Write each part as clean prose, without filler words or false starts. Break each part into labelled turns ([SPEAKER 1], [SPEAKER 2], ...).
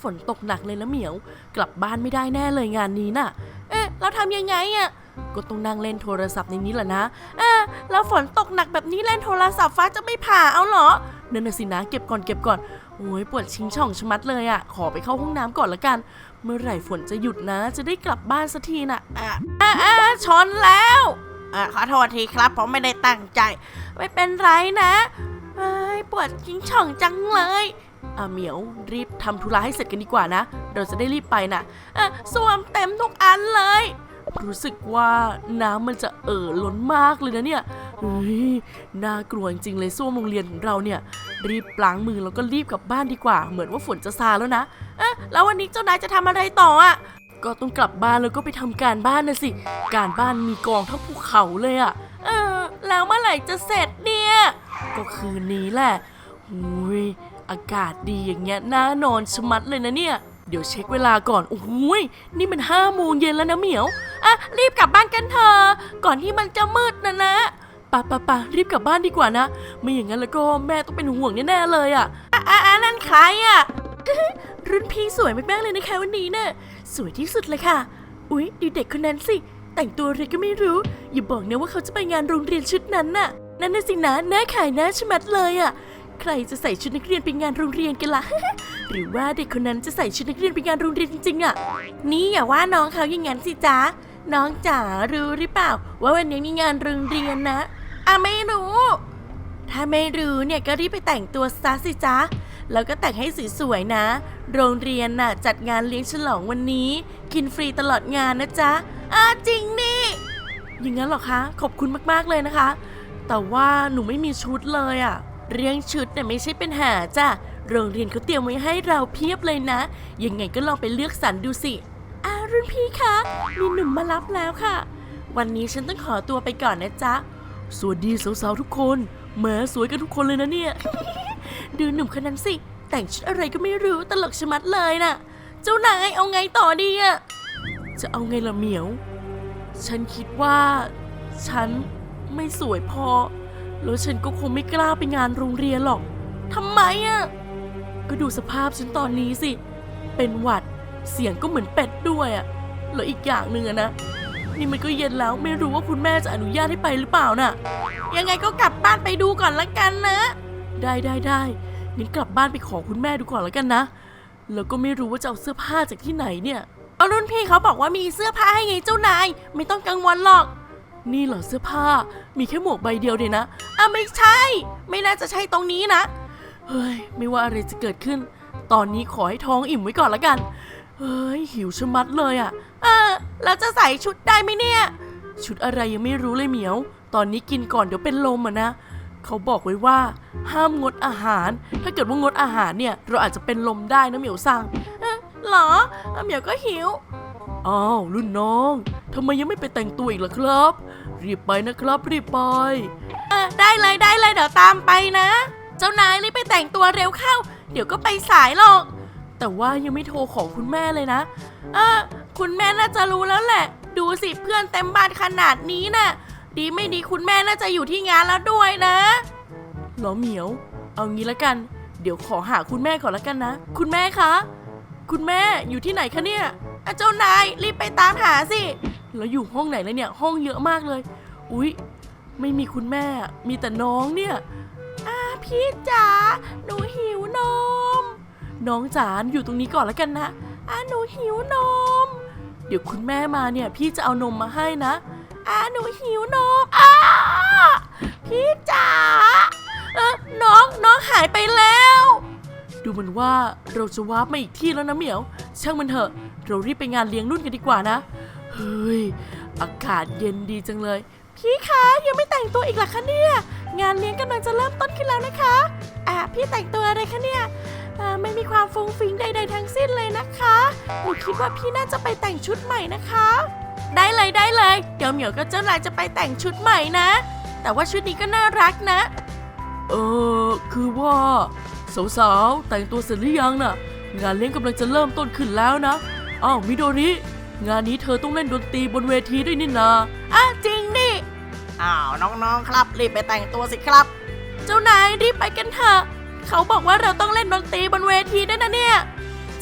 [SPEAKER 1] ฝนตกหนักเลยละเหมียวกลับบ้านไม่ได้แน่เลยงานนี้น่ะเราทำยังไงอ่ะก็ต้องนั่งเล่นโทรศัพท์ในนี้แหละนะแล้วฝนตกหนักแบบนี้เล่นโทรศัพท์ฟ้าจะไม่ผ่าเอาเหรอนั่นน่ะสินะเก็บก่อนโอ้ยปวดชิงช่องชะมัดเลยอ่ะขอไปเข้าห้องน้ำก่อนละกันเมื่อไหร่ฝนจะหยุดนะจะได้กลับบ้านสักทีน่ะชนแล้วขอโทษทีครับผมไม่ได้ตั้งใจไม่เป็นไรนะปวดชิงช่องจังเลยเหมียวรีบทำธุระให้เสร็จกันดีกว่านะเราจะได้รีบไปนะส้วมเต็มทุกอันเลยรู้สึกว่าน้ำมันจะล้นมากเลยนะเนี่ยน่ากลัวจริงเลยส้วมโรงเรียนของเราเนี่ยรีบล้างมือแล้วก็รีบกลับบ้านดีกว่าเหมือนว่าฝนจะซาแล้วนะแล้ววันนี้เจ้านายจะทำอะไรต่อก็ต้องกลับบ้านแล้วก็ไปทำการบ้านนะสิการบ้านมีกองทั้งภูเขาเลยแล้วเมื่อไหร่จะเสร็จเนี่ยก็คืนนี้แหละอากาศดีอย่างเงี้ยน่านอนชะมัดเลยนะเนี่ยเดี๋ยวเช็คเวลาก่อนนี่มัน5 โมงเย็นแล้วนะเหมียวรีบกลับบ้านกันเถอะก่อนที่มันจะมืดนะปะรีบกลับบ้านดีกว่านะไม่อย่างนั้นแล้วก็แม่ต้องเป็นห่วงแน่ๆเลยนั่นใครรุ่นพี่สวยมากๆเลยนะคะวันนี้เนี่ยสวยที่สุดเลยค่ะดูเด็กคนนั้นสิแต่งตัวอะไรก็ไม่รู้อย่าบอกนะว่าเขาจะไปงานโรงเรียนชุดนั้นน่ะนั่นน่ะสินะน่าขายน่าชะมัดเลยใครจะใส่ชุดนักเรียนไปงานโรงเรียนกันล่ะ หรือว่าเด็กคนนั้นจะใส่ชุดนักเรียนไปงานโรงเรียนจริงๆนี่อย่าว่าน้องเขาอย่างนั้นสิจ๊ะน้องจ๋ารู้หรือเปล่าว่าวันนี้มีงานโรงเรียนนะไม่รู้ถ้าไม่รู้เนี่ยก็รีบไปแต่งตัวซะสิจ๊ะแล้วก็แต่งให้สวยๆนะโรงเรียนน่ะจัดงานเลี้ยงฉลองวันนี้กินฟรีตลอดงานนะจ๊ะจริงนี่อย่างนั้นหรอคะขอบคุณมากๆเลยนะคะแต่ว่าหนูไม่มีชุดเลยเรื่องชุดเนี่ยไม่ใช่ปัญหาจ้ะโรงเรียนเขาเตรียมไว้ให้เราเพียบเลยนะยังไงก็ลองไปเลือกสรรดูสิรุ่นพี่คะมีหนุ่มมารับแล้วค่ะวันนี้ฉันต้องขอตัวไปก่อนนะจ๊ะสวัสดีสาวๆทุกคนแหมสวยกันทุกคนเลยนะเนี่ย ดูหนุ่มคนนั้นสิแต่งชุดอะไรก็ไม่รู้ตลกชะมัดเลยน่ะเจ้านายเอาไงต่อดีจะเอาไงล่ะเหมียวฉันคิดว่าฉันไม่สวยพอแล้วฉันก็คงไม่กล้าไปงานโรงเรียนหรอกทำไมก็ดูสภาพฉันตอนนี้สิเป็นหวัดเสียงก็เหมือนเป็ดด้วยแล้วอีกอย่างหนึ่งนะนี่มันก็เย็นแล้วไม่รู้ว่าคุณแม่จะอนุญาตให้ไปหรือเปล่าน่ะยังไงก็กลับบ้านไปดูก่อนละกันนะได้งั้นกลับบ้านไปขอคุณแม่ดูก่อนละกันนะแล้วก็ไม่รู้ว่าจะเอาเสื้อผ้าจากที่ไหนเนี่ยรุ่นพี่เขาบอกว่ามีเสื้อผ้าให้ไงเจ้านายไม่ต้องกังวลหรอกนี่เหรอเสื้อผ้ามีแค่หมวกใบเดียวเดียวนะไม่ใช่ไม่น่าจะใช่ตรงนี้นะเฮ้ยไม่ว่าอะไรจะเกิดขึ้นตอนนี้ขอให้ท้องอิ่มไว้ก่อนละกันเฮ้ยหิวชะมัดเลยแล้วจะใส่ชุดได้ไหมเนี่ยชุดอะไรยังไม่รู้เลยเหมียวตอนนี้กินก่อนเดี๋ยวเป็นลมนะเขาบอกไว้ว่าห้ามงดอาหารถ้าเกิดว่างดอาหารเนี่ยเราอาจจะเป็นลมได้นะเหมียวสั่งหรอเหมียวก็หิวรุ่นน้องทำไมยังไม่ไปแต่งตัวอีกล่ะครับรีบไปนะครับรีบไปได้เลยเดี๋ยวตามไปนะเจ้านายรีบไปแต่งตัวเร็วเข้าเดี๋ยวก็ไปสายหรอกแต่ว่ายังไม่โทรของคุณแม่เลยนะคุณแม่น่าจะรู้แล้วแหละดูสิเพื่อนเต็มบ้านขนาดนี้น่ะดีไม่ดีคุณแม่น่าจะอยู่ที่งานแล้วด้วยนะหรอเหมียวเอางี้ละกันเดี๋ยวขอหาคุณแม่ก่อนละกันนะคุณแม่คะคุณแม่อยู่ที่ไหนคะเนี่ยเจ้านายรีบไปตามหาสิแล้วอยู่ห้องไหนเลยเนี่ยห้องเยอะมากเลยไม่มีคุณแม่มีแต่น้องเนี่ยพี่จ๋าหนูหิวนมน้องจ๋าอยู่ตรงนี้ก่อนแล้วกันนะหนูหิวนมเดี๋ยวคุณแม่มาเนี่ยพี่จะเอานมมาให้นะหนูหิวนมพี่จ๋าน้องหายไปแล้วดูเหมือนว่าเราจะวาร์ปมาอีกที่แล้วนะเหมียวช่างมันเถอะเรารีบไปงานเลี้ยงรุ่นกันดีกว่านะเฮ้ยอากาศเย็นดีจังเลยพี่คะยังไม่แต่งตัวอีกเหรอคะเนี่ยงานเลี้ยงกำลังจะเริ่มต้นขึ้นแล้วนะคะพี่แต่งตัวอะไรคะเนี่ยไม่มีความฟุ้งฟิ้งใดๆทั้งสิ้นเลยนะคะหนูคิดว่าพี่น่าจะไปแต่งชุดใหม่นะคะได้เลยเดี๋ยวเหมียวกับเจ้านายจะไปแต่งชุดใหม่นะแต่ว่าชุดนี้ก็น่ารักนะคือว่าสาวๆแต่งตัวเสร็จหรือยังน่ะงานเลี้ยงกำลังจะเริ่มต้นขึ้นแล้วนะมิโดริงานนี้เธอต้องเล่นดนตรีบนเวทีด้วยนี่นาจริงดิน้องๆครับรีบไปแต่งตัวสิครับเจ้านายรีบไปกันเถอะเขาบอกว่าเราต้องเล่นดนตรีบนเวทีด้วยนะเนี่ยจ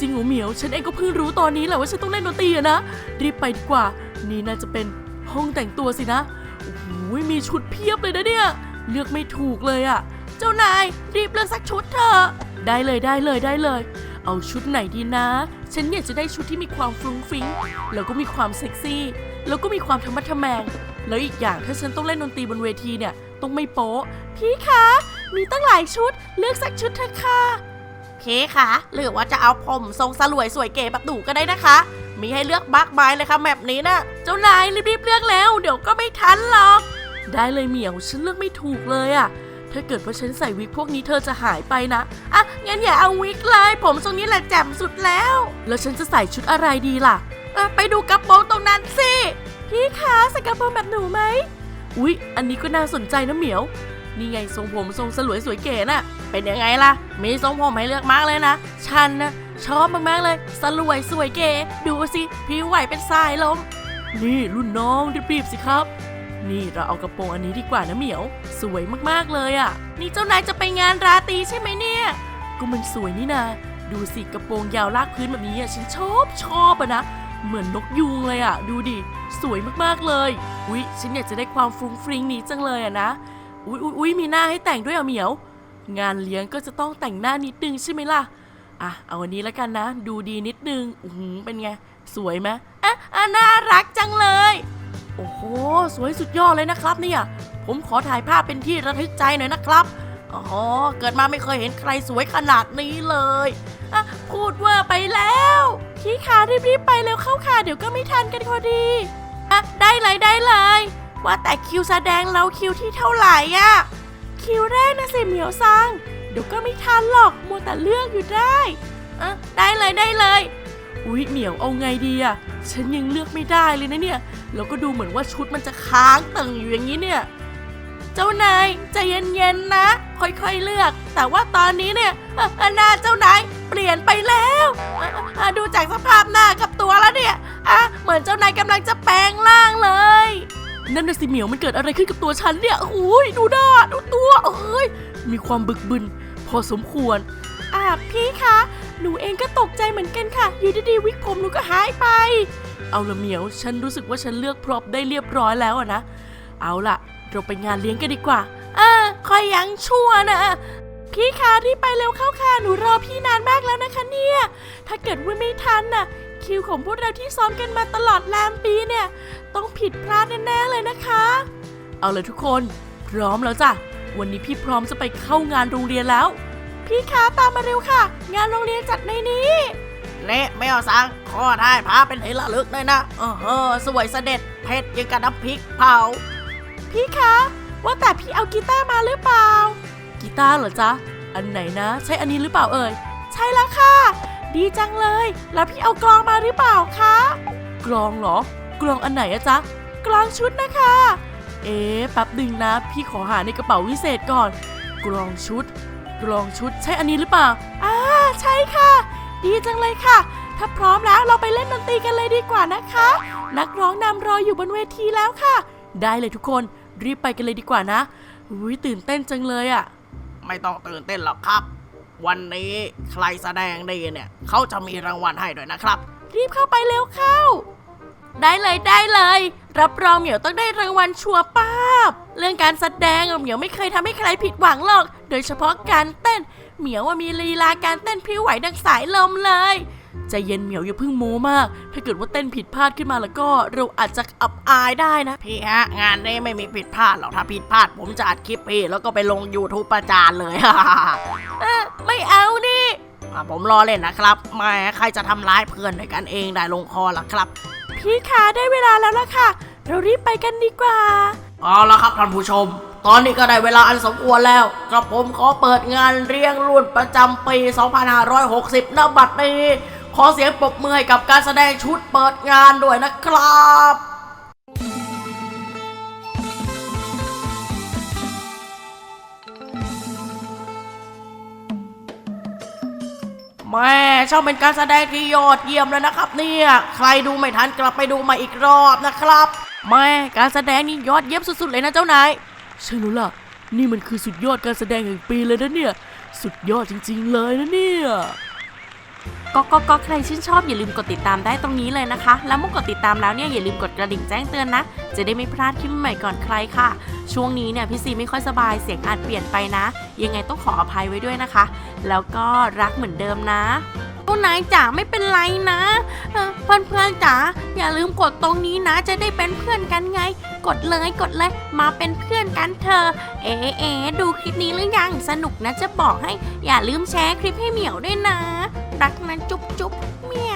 [SPEAKER 1] จริงเหรอเหมียวฉันเองก็เพิ่งรู้ตอนนี้แหละว่าฉันต้องเล่นดนตรีอะนะรีบไปดีกว่านี่น่าจะเป็นห้องแต่งตัวสินะโอ้โหมีชุดเพียบเลยนะเนี่ยเลือกไม่ถูกเลยอะเจ้านายรีบเลือกสักชุดเถอะได้เลยเอาชุดไหนดีนะฉันอยากจะได้ชุดที่มีความฟรุ้งฟริ้งแล้วก็มีความเซ็กซี่แล้วก็มีความธรรมะทแมงแล้วอีกอย่างถ้าฉันต้องเล่นดนตรีบนเวทีเนี่ยต้องไม่โป๊ะพี่คะมีตั้งหลายชุดเลือกสักชุดเถอะค่ะพี่คะหรือว่าจะเอาผมทรงสลวยสวยเก๋แบบหนูก็ได้นะคะมีให้เลือกมากมายเลยค่ะแบบนี้นะเจ้านายรีบเลือกแล้วเดี๋ยวก็ไม่ทันหรอกได้เลยเหมียวฉันเลือกไม่ถูกเลยอะถ้าเกิดว่าฉันใส่วิกพวกนี้เธอจะหายไปนะอ่ะงั้นอย่าเอาวิกเลยผมทรงนี้แหละแจ่มสุดแล้วฉันจะใส่ชุดอะไรดีล่ะไปดูกระโปรงตรงนั้นสิพี่คะใส่กระโปรงแบบหนูไหมอุ๊ยอันนี้ก็น่าสนใจนะเหมียวนี่ไงทรงผมทรงสลวยสวยเก๋น่ะเป็นยังไงล่ะมีทรงผมให้เลือกมากเลยนะฉันนะชอบมากๆเลยสลวยสวยเก๋ดูสิผิวไหวเป็นสายลมนี่รุ่นน้องรีบๆสิครับนี่เราเอากระโปรงอันนี้ดีกว่านะเหมียวสวยมากๆเลยอ่ะนี่เจ้านายจะไปงานราตรีใช่ไหมเนี่ยก็มันสวยนี่นาดูสิกระโปรงยาวลากพื้นแบบนี้อ่ะฉันชอบอ่ะนะเหมือนนกยูงเลยอ่ะดูดิสวยมากๆเลยอุ๊ยฉันอยากจะได้ความฟรุ้งฟริ้งนี้จังเลยอ่ะนะอุ๊ยมีหน้าให้แต่งด้วยอ่ะเหมียวงานเลี้ยงก็จะต้องแต่งหน้านิดนึงใช่ไหมล่ะเอาอันนี้แล้วกันนะดูดีนิดนึงเป็นไงสวยไหมน่ารักจังเลยโอ้โหสวยสุดยอดเลยนะครับเนี่ยผมขอถ่ายภาพเป็นที่ระลึกใจหน่อยนะครับเกิดมาไม่เคยเห็นใครสวยขนาดนี้เลยพูดว่าไปแล้วพี่ขารีบไปเร็วเข้าค่ะเดี๋ยวก็ไม่ทันกันพอดีได้เลยว่าแต่คิวแสดงเราคิวที่เท่าไหร่คิวแรกนะสิเหมียวซังเดี๋ยวก็ไม่ทันหรอกมัวแต่เลือกอยู่ได้ได้เลยอุ๊ยเหมียวเอาไงดีฉันยังเลือกไม่ได้เลยนะเนี่ยแล้วก็ดูเหมือนว่าชุดมันจะค้างตึงอยู่อย่างนี้เนี่ยเจ้านายใจเย็นๆนะค่อยๆเลือกแต่ว่าตอนนี้เนี่ยหน้าเจ้านายเปลี่ยนไปแล้วดูจากสภาพหน้ากับตัวแล้วเนี่ยเหมือนเจ้านายกำลังจะแปลงร่างเลยนั่นน่ะสิเหมียวมันเกิดอะไรขึ้นกับตัวฉันเนี่ยโอ้ยดูหน้าดูตัวมีความบึกบึนพอสมควรพี่คะหนูเองก็ตกใจเหมือนกันค่ะอยู่ดีๆวิกผมหนูก็หายไปเอาละเหมียวฉันรู้สึกว่าฉันเลือกพร็อพได้เรียบร้อยแล้วนะเอาล่ะเราไปงานเลี้ยงกันดีกว่าคอยยังชั่วนะพี่คะรีบไปเร็วเข้าค่ะหนูรอพี่นานมากแล้วนะคะเนี่ยถ้าเกิดว่าไม่ทันน่ะคิวของพวกเราที่ซ้อมกันมาตลอดแรมปีเนี่ยต้องผิดพลาดแน่ๆเลยนะคะเอาเลยทุกคนพร้อมแล้วจ้ะวันนี้พี่พร้อมจะไปเข้างานโรงเรียนแล้วพี่คะตามมาเร็วค่ะงานโรงเรียนจัดในนี้ไม่เอาสังขอถ่ายภาพเป็นที่ระลึกเลยนะสวยเสด็จเผ็ดยังกับน้ำพริกเผาพี่คะว่าแต่พี่เอากีตาร์มาหรือเปล่ากีตาร์เหรอจ๊ะอันไหนนะใช่อันนี้หรือเปล่าเอ่ยใช่แล้วค่ะดีจังเลยแล้วพี่เอากลองมาหรือเปล่าคะกลองเหรอกลองอันไหนอะจ๊ะกลองชุดนะคะแป๊บนึงนะพี่ขอหาในกระเป๋าวิเศษก่อนกลองชุดใช่อันนี้หรือเปล่าใช่ค่ะดีจังเลยค่ะถ้าพร้อมแล้วเราไปเล่นดนตรีกันเลยดีกว่านะคะนักร้องนำรออยู่บนเวทีแล้วค่ะได้เลยทุกคนรีบไปกันเลยดีกว่านะตื่นเต้นจังเลยไม่ต้องตื่นเต้นหรอกครับวันนี้ใครแสดงดีเนี่ยเขาจะมีรางวัลให้ด้วยนะครับรีบเข้าไปเร็วเข้าได้เลยรับรองเหมียวต้องได้รางวัลชัวร์ป้าบเรื่องการแสดงเหมียวไม่เคยทำให้ใครผิดหวังหรอกโดยเฉพาะการเต้นเหมียวมีลีลาการเต้นพริ้วไหวดังสายลมเลยใจเย็นเหมียวอย่าเพิ่งโม้มากถ้าเกิดว่าเต้นผิดพลาดขึ้นมาแล้วก็เราอาจจะอับอายได้นะพี่ฮะงานนี้ไม่มีผิดพลาดหรอกถ้าผิดพลาดผมจะอัดคลิปพี่แล้วก็ไปลง YouTube ประจานเลย ไม่เอาดิผมรอเล่นนะครับไม่ใครจะทำร้ายเพื่อนด้วยกันเองได้ลงคอล่ะครับพี่คะได้เวลาแล้วล่ะค่ะเรารีบไปกันดีกว่าเอาละครับท่านผู้ชมตอนนี้ก็ได้เวลาอันสมควรแล้วกระผมขอเปิดงานเลี้ยงรุ่นประจำปี 2560 ณ บัดนี้ขอเสียงปรบมือให้กับการแสดงชุดเปิดงานด้วยนะครับแม่ช่างเป็นการแสดงที่ยอดเยี่ยมเลยนะครับเนี่ยใครดูไม่ทันกลับไปดูมาอีกรอบนะครับแม่การแสดงนี่ยอดเยี่ยมสุดๆเลยนะเจ้านายใช่แล้วล่ะนี่มันคือสุดยอดการแสดงแห่งปีเลยนะเนี่ยสุดยอดจริงๆเลยนะเนี่ยก็ใครชื่นชอบอย่าลืมกดติดตามได้ตรงนี้เลยนะคะแล้วเมื่อกดติดตามแล้วเนี่ยอย่าลืมกดกระดิ่งแจ้งเตือนนะจะได้ไม่พลาดคลิปใหม่ก่อนใครค่ะช่วงนี้เนี่ยพี่ซีไม่ค่อยสบายเสียงอาจเปลี่ยนไปนะยังไงต้องขออภัยไว้ด้วยนะคะแล้วก็รักเหมือนเดิมนะผู้นายจ๋าไม่เป็นไรนะเพื่อนจ๋าอย่าลืมกดตรงนี้นะจะได้เป็นเพื่อนกันไงกดเลยมาเป็นเพื่อนกันเถอะดูคลิปนี้หรือยังสนุกนะจะบอกให้อย่าลืมแชร์คลิปให้เหมียวด้วยนะรักนะจุ๊บเมียว